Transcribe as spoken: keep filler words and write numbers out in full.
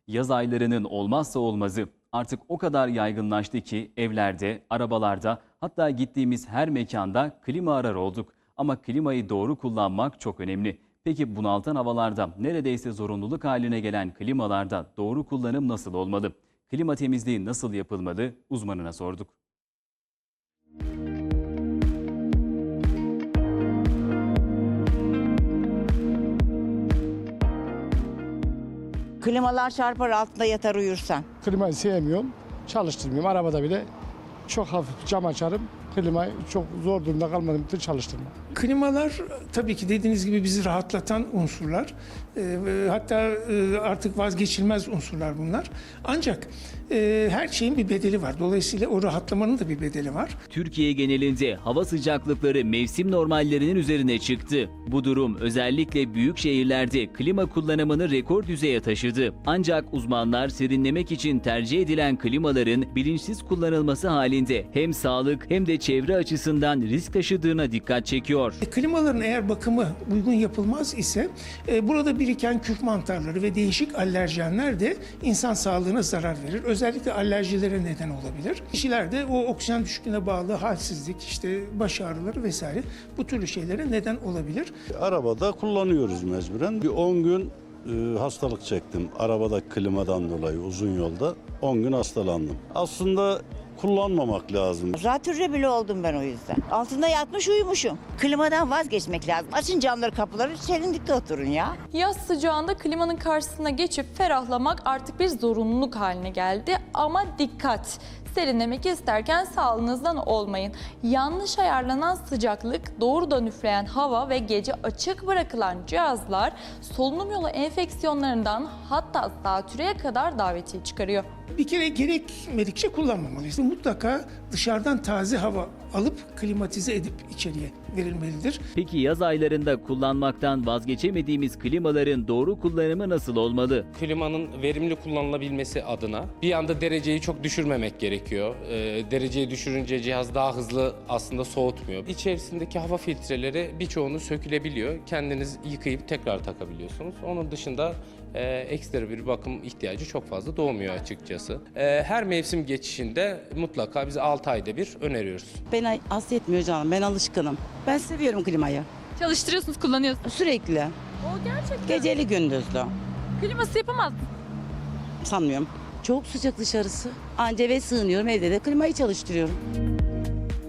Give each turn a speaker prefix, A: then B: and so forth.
A: Yaz aylarının olmazsa olmazı artık o kadar yaygınlaştı ki evlerde, arabalarda, hatta gittiğimiz her mekanda klima arar olduk. Ama klimayı doğru kullanmak çok önemli. Peki bunaltan havalarda neredeyse zorunluluk haline gelen klimalarda doğru kullanım nasıl olmalı? Klima temizliği nasıl yapılmalı? Uzmanına sorduk.
B: Klimalar çarpar, altında yatar uyursan.
C: Klimayı sevmiyorum, çalıştırmıyorum. Arabada bile çok hafif cam açarım. Klimayı çok zor durumda kalmadığım için çalıştırmam.
D: Klimalar tabii ki dediğiniz gibi bizi rahatlatan unsurlar. E, hatta e, artık vazgeçilmez unsurlar bunlar. Ancak e, her şeyin bir bedeli var. Dolayısıyla o rahatlamanın da bir bedeli var.
A: Türkiye genelinde hava sıcaklıkları mevsim normallerinin üzerine çıktı. Bu durum özellikle büyük şehirlerde klima kullanımını rekor düzeye taşıdı. Ancak uzmanlar serinlemek için tercih edilen klimaların bilinçsiz kullanılması halinde hem sağlık hem de çevre açısından risk taşıdığına dikkat çekiyor.
D: E, klimaların eğer bakımı uygun yapılmaz ise e, burada biriken küf mantarları ve değişik alerjenler de insan sağlığına zarar verir. Özellikle alerjilere neden olabilir. Kişilerde o oksijen düşüklüğüne bağlı halsizlik, işte baş ağrıları vesaire bu türlü şeylere neden olabilir.
E: Arabada kullanıyoruz mecburen. Bir on gün e, hastalık çektim arabadaki klimadan dolayı uzun yolda. on gün hastalandım. Aslında kullanmamak lazım.
B: Zatürre bile oldum ben o yüzden. Altında yatmış uyumuşum. Klimadan vazgeçmek lazım. Açın camları, kapıları, serinlikte oturun ya.
F: Yaz sıcağında klimanın karşısına geçip ferahlamak artık bir zorunluluk haline geldi. Ama dikkat! Serinlemek isterken sağlığınızdan olmayın. Yanlış ayarlanan sıcaklık, doğrudan üfleyen hava ve gece açık bırakılan cihazlar solunum yolu enfeksiyonlarından hatta zatürreye kadar davetiye çıkarıyor.
D: Bir kere gerekmedikçe kullanmamalıyız. Mutlaka dışarıdan taze hava alıp klimatize edip içeriye verilmelidir.
A: Peki yaz aylarında kullanmaktan vazgeçemediğimiz klimaların doğru kullanımı nasıl olmalı?
G: Klimanın verimli kullanılabilmesi adına bir anda dereceyi çok düşürmemek gerekiyor. E, dereceyi düşürünce cihaz daha hızlı aslında soğutmuyor. İçerisindeki hava filtreleri birçoğunu sökülebiliyor. Kendiniz yıkayıp tekrar takabiliyorsunuz. Onun dışında e, ekstra bir bakım ihtiyacı çok fazla doğmuyor açıkçası. E, her mevsim geçişinde mutlaka biz altı ayda bir öneriyoruz.
H: Beni az etmiyor canım. Ben alışkınım. Ben seviyorum klimayı.
F: Çalıştırıyorsunuz, kullanıyorsunuz.
H: Sürekli.
F: O gerçekten.
H: Geceli gündüzlü.
F: Kliması yapamaz.
H: Sanmıyorum. Çok sıcak dışarısı. Anca eve sığınıyorum. Evde de klimayı çalıştırıyorum.